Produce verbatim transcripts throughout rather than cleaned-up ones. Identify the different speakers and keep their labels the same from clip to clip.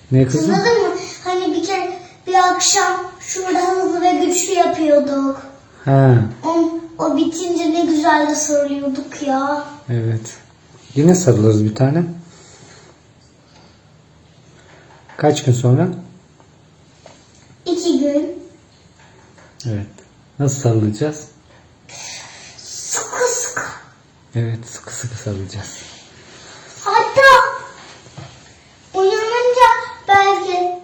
Speaker 1: Ne kızım?
Speaker 2: Anladın mı? Hani bir kere bir akşam şurada hızlı ve güçlü yapıyorduk.
Speaker 1: Ha,
Speaker 2: O, o bitince ne güzel de sarılıyorduk ya.
Speaker 1: evet. Yine sarılırız bir tane. Kaç gün sonra?
Speaker 2: İki gün.
Speaker 1: Evet. Nasıl sarılacağız?
Speaker 2: Sıkı sıkı.
Speaker 1: Evet, sıkı sıkı sarılacağız.
Speaker 2: Hatta uyanınca belki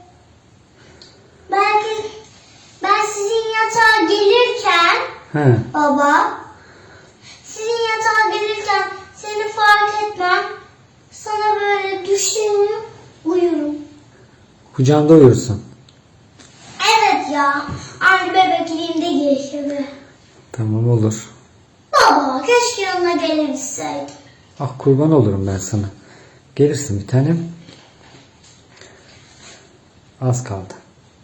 Speaker 2: belki ben sizin yatağa gelirken
Speaker 1: Ha,
Speaker 2: baba sizin yatağa gelirken seni fark etmem, sana böyle düşerim, uyurum.
Speaker 1: kucağımda uyursun.
Speaker 2: Evet ya, aynı bebekliğimde geçiyor.
Speaker 1: Tamam, olur.
Speaker 2: Baba keşke yanına gelebilseydim.
Speaker 1: Ah, kurban olurum ben sana. Gelirsin bir tanem. Az kaldı.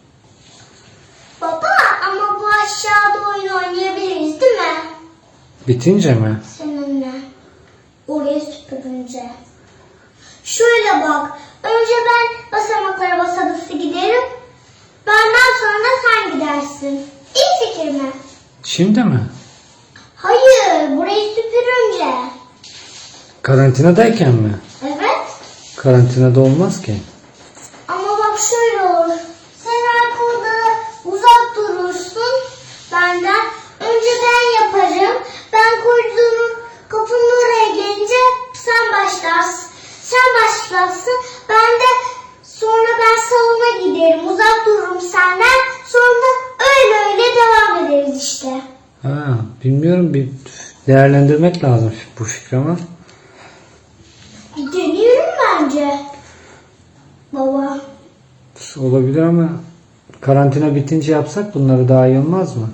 Speaker 2: Baba ama bu aşağıda oyun oynayabiliriz değil mi?
Speaker 1: Bitince mi?
Speaker 2: Seninle. Oraya süpürünce. Şöyle bak. Önce ben basamaklara basa basa giderim. Benden sonra da sen gidersin. İyi fikir mi?
Speaker 1: Şimdi mi?
Speaker 2: Hayır. Burayı süpürünce.
Speaker 1: Karantinadayken mi?
Speaker 2: Evet.
Speaker 1: Karantinada olmaz ki.
Speaker 2: Ama bak şöyle olur. Sen arkamda uzak durursun benden. Önce ben yaparım. Ben koridorun kapının oraya gelince sen başlarsın. Sen başlarsın. Ben de sonra ben salona giderim. Uzak dururum senden. Sonra da öyle öyle devam ederiz işte.
Speaker 1: Ha, bilmiyorum, bir değerlendirmek lazım bu fikri ama.
Speaker 2: Bir deneyelim bence. Baba.
Speaker 1: Olabilir ama karantina bitince yapsak bunları daha iyi olmaz mı?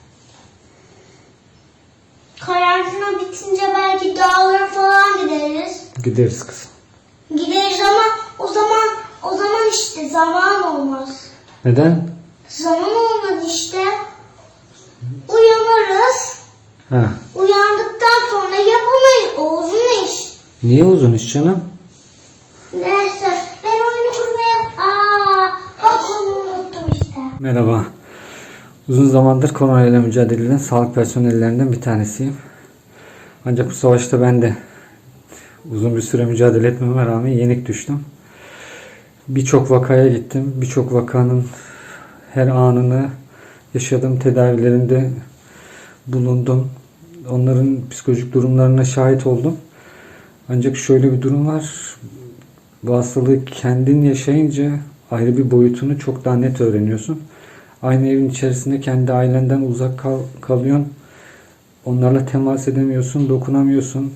Speaker 2: Karantina bitince belki dağlara falan gideriz.
Speaker 1: Gideriz kızım.
Speaker 2: Gideriz ama o zaman o zaman işte zaman olmaz.
Speaker 1: Neden?
Speaker 2: Zaman olmaz işte. Uyanırız.
Speaker 1: Ha,
Speaker 2: Uyandıktan sonra yapamayız. O uzun iş.
Speaker 1: niye uzun iş canım?
Speaker 2: Neyse ben oyunu kurmaya... Aa, bak onu unuttum işte.
Speaker 1: Merhaba. Uzun zamandır koronayla mücadele eden sağlık personellerinden bir tanesiyim. Ancak bu savaşta ben de uzun bir süre mücadele etmeme rağmen yenik düştüm. Birçok vakaya gittim. Birçok vakanın her anını yaşadığım, tedavilerinde bulundum. Onların psikolojik durumlarına şahit oldum. Ancak şöyle bir durum var. Bu hastalığı kendin yaşayınca ayrı bir boyutunu çok daha net öğreniyorsun. Aynı evin içerisinde kendi ailenden uzak kal kalıyorsun. Onlarla temas edemiyorsun, dokunamıyorsun.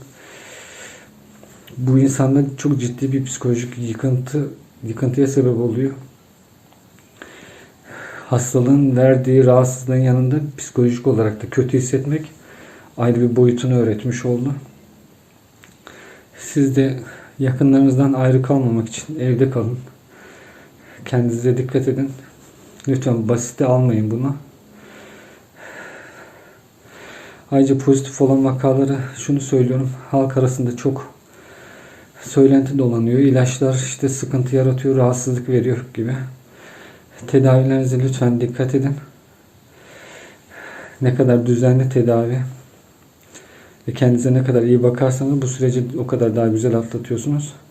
Speaker 1: Bu insanda çok ciddi bir psikolojik yıkıntı, yıkıntıya sebep oluyor. Hastalığın verdiği rahatsızlığın yanında psikolojik olarak da kötü hissetmek ayrı bir boyutunu öğretmiş oldu. Siz de yakınlarınızdan ayrı kalmamak için evde kalın. Kendinize dikkat edin. Lütfen basite almayın bunu. Ayrıca pozitif olan vakaları şunu söylüyorum. Halk arasında çok söylenti dolanıyor. İlaçlar işte sıkıntı yaratıyor, rahatsızlık veriyor gibi. Tedavilerinize lütfen dikkat edin. Ne kadar düzenli tedavi ve kendinize ne kadar iyi bakarsanız bu süreci o kadar daha güzel atlatıyorsunuz.